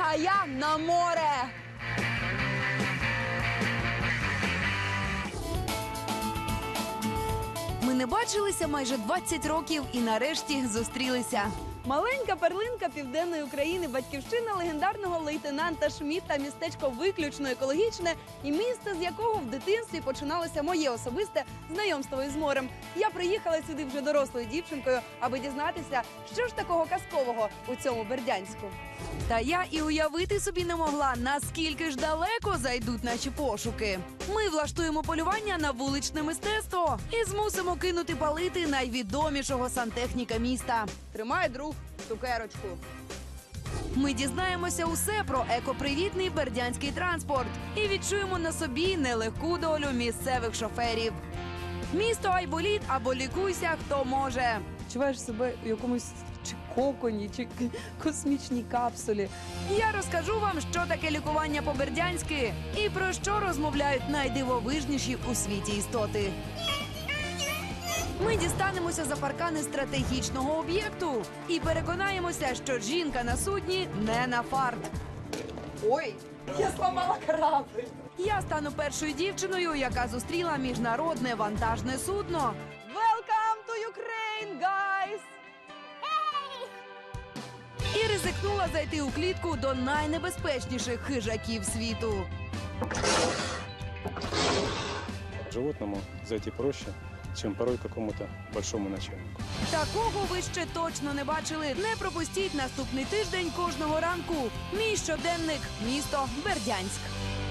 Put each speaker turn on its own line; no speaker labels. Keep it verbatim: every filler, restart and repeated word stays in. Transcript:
а я на море. Ми не бачилися майже двадцять років і нарешті зустрілися. Маленька перлинка південної України, батьківщина легендарного лейтенанта Шмідта, містечко виключно екологічне і місце, з якого в дитинстві починалося моє особисте знайомство із морем. Я приїхала сюди вже дорослою дівчинкою, аби дізнатися, що ж такого казкового у цьому Бердянську. Та я і уявити собі не могла, наскільки ж далеко зайдуть наші пошуки. Ми влаштуємо полювання на вуличне мистецтво і змусимо кинути палити найвідомішого сантехніка міста. Тримай, друг, цукерочку. Ми дізнаємося усе про екопривітний бердянський транспорт і відчуємо на собі нелегку долю місцевих шоферів. Місто Айболіт або лікуйся, хто може. Відчуваєш себе у якомусь чи коконі, чи космічній капсулі. Я розкажу вам, що таке лікування по-бердянськи і про що розмовляють найдивовижніші у світі істоти. Ми дістанемося за паркани стратегічного об'єкту і переконаємося, що жінка на судні не на фарт. Ой, я зламала корабль. Я стану першою дівчиною, яка зустріла міжнародне вантажне судно. Welcome to Ukraine, guys! І ризикнула зайти у клітку до найнебезпечніших хижаків світу.
Животному зайти проще, чем порой какому-то большому начальнику.
Такого ви ще точно не бачили. Не пропустіть наступний тиждень кожного ранку. Мій щоденник. Місто Бердянськ.